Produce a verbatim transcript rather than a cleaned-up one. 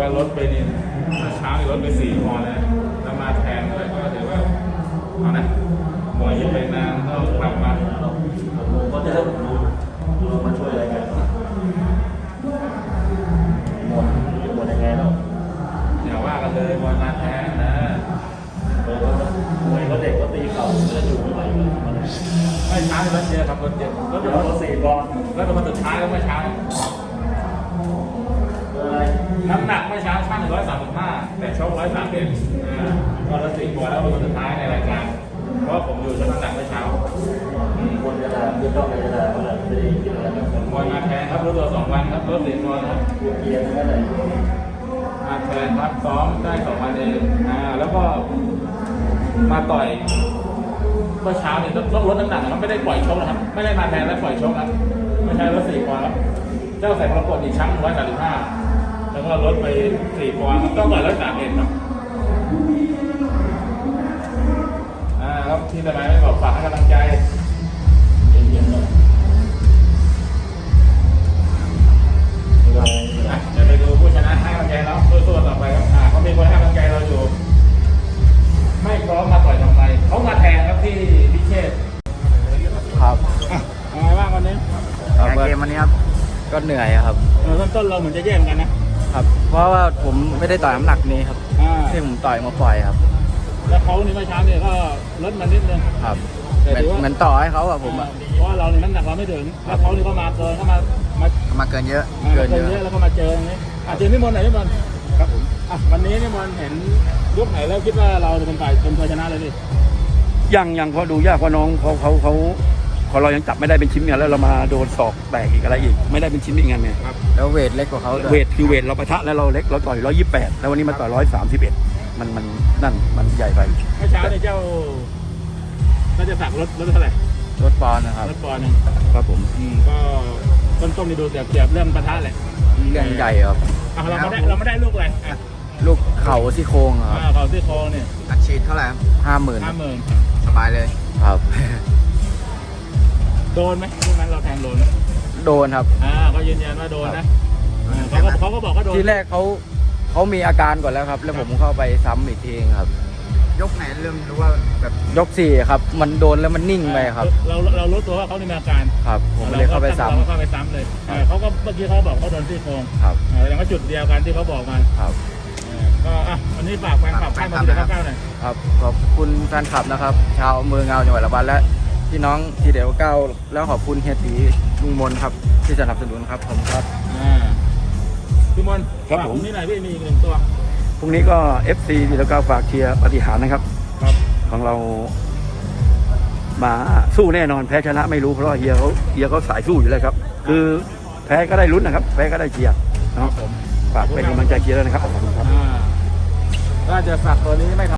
ว่าลดไปนี่เช้านี่ลดไปสี่ปอนด์แล้วแล้วมาแทนเลยก็ถือว่าเอานะหมวยไปนานก็กลับมาผมก็จะได้รู้มาช่วยอะไรกันหมดหมดยังไงเราอย่าว่ากันเลยมวยมาแทนนะมวยก็เด็กก็ตีเข่าก็จะอยู่ไม่ไหวไม่ช้าเลยรถเยอะครับรถเยอะรถเยอะรถสี่ปอนด์แล้วมาสุดท้ายแล้วเมื่อเช้าน้ำหนักเมื่อเช้าช่างหนึ่งร้อยสามสิบห้าแต่ชกร้อยสามสิบก็ละสี่ปอนด์แล้วมาสุดท้ายในรายการเพราะผมอยู่ชั่งน้ำหนักเมื่อเช้าคนจะได้คือต้องไปจะได้ก็เลยไม่ได้กินอะไรครับมวยมาแทนครับรู้ตัวสองวันครับรถสี่ปอนด์ครับเกียร์นั่นแหละมาแทนครับซ้อมได้สองวันเองอ่าแล้วก็มาต่อยเมื่อเช้าเนี่ยต้องลดน้ำหนักนะครับไม่ได้ปล่อยชกนะครับไม่ได้มาแทนแล้วปล่อยชกครับไม่ใช่รถสี่ปอนด์ครับเจ้าใส่ประกวดอีกชั้นร้อยสามสิบห้าแล้วก็ลดไปสี่ปอนด์ต้องต่อยร้อยสามเอ็ดครับอ่าครับที่ทำไมไม่บอกฝากให้กำลังใจเย็นๆเลยเดี๋ยวไปดูผู้ชนะให้กำลังใจแล้วสู้ๆต่อไปครับอ่าเขามีคนให้กำลังใจเราอยู่ไม่พร้อมมาต่อยทำไมเขามาแทนครับที่พิเชษครับยังไงบ้างวันนี้เกมวันนี้ครับก็เหนื่อยครับเออต้นเราเหมือนจะแย่งกันนะครับเพราะว่าผมไม่ได้ต่อยน้ำหนักนี้ครับที่ผมต่อยมาปล่อยครับแล้วเขานี่เมื่อเช้าเนี่ยก็ลดมานิดนึงครับเหมือนต่อให้เขาอะผมอะเพราะว่าเราน้ำหนักเราไม่ถึงแล้วเขานี่ก็มาเกินเขามามามาเกินเยอะเกินเยอะแล้วก็มาเจออย่างนี้อาจจะนิมนต์ไหนนิมนต์ครับผมอ่ะวันนี้นิมนต์เห็นยุคไหนแล้วคิดว่าเราจะเป็นฝ่ายเป็นผู้ชนะเลยดิยังยังเขาดูยากเพราะน้องเขาเขาเขาพอเรายังจับไม่ได้เป็นชิ้นกันแล้วเรามาโดนศอกแตกอีกอะไรอีกไม่ได้เป็นชิ้นอีกไงเนี่ยแล้วเวทเล็กกว่าเขาเวทคือเวทเราปะทะแล้วเราเล็กเราต่อยร้อยยี่สิบแปดแล้ววันนี้มาต่อยร้อยสามสิบเอ็ดมันมันนั่นมันใหญ่ไปเมื่อเช้าเนี่ยเจ้าน่าจะสักรถรถเท่าไหร่รถปอนนะครับรถปอนนึงครับผมอืมก็ต้นต้นนี่ดูเสียบเสียบเรื่องปะทะแหละเรื่องใหญ่ครับเราไม่ได้เราไม่ได้ลูกอะไรลูกเข่าซี่โครงครับเข่าซี่โครงเนี่ยอัดฉีดเท่าไหร่ห้าหมื่นห้าหมื่นสบายเลยครับโดนไหมลูกนั้นเราแทงโดนโดนครับอ่าเขายืนยันว่าโดนนะเขาก็เขาก็บอกว่าโดนทีแรกเขาเขามีอาการก่อนแล้วครับแล้วผมเข้าไปซ้ำอีกทีครับยกไหนเริ่มรู้ว่าแบบยกสี่ครับมันโดนแล้วมันนิ่งไปครับเราเรารู้ตัวว่าเขามีอาการครับผมเลยเข้าไปซ้ำเข้าไปซ้ำเลยเขาก็เมื่อกี้เขาบอกเขาโดนซี่โครงครับแสดงว่าจุดเดียวกันที่เขาบอกมาครับก็อ่ะวันนี้ฝากแฟนคลับให้มาดูข้าวๆหน่อยครับขอบคุณแฟนคลับนะครับชาวเมืองเงาจังหวัดระบาดและพี่น้องทีเดียวเก้าแล้วขอบคุณเฮียตีลุงมนครับที่สนับสนุนครับผมครับพี่มนครับผมนี่ไหนพี่มีอีกหนึ่งตัวพรุ่งนี้ก็ เอฟ ซี ทีเดียวเก้าฝากเชียร์ปฏิหารนะครับของเรามาสู้แน่นอนแพ้ชนะไม่รู้เพราะเฮียเขาเฮียเขาสายสู้อยู่แล้วครับคือแพ้ก็ได้ลุ้นนะครับแพ้ก็ได้เชียร์เนาะฝากเป็นกำลังใจเชียร์ด้วยนะครับขอบคุณครับก็จะฝากตัวนี้ไม่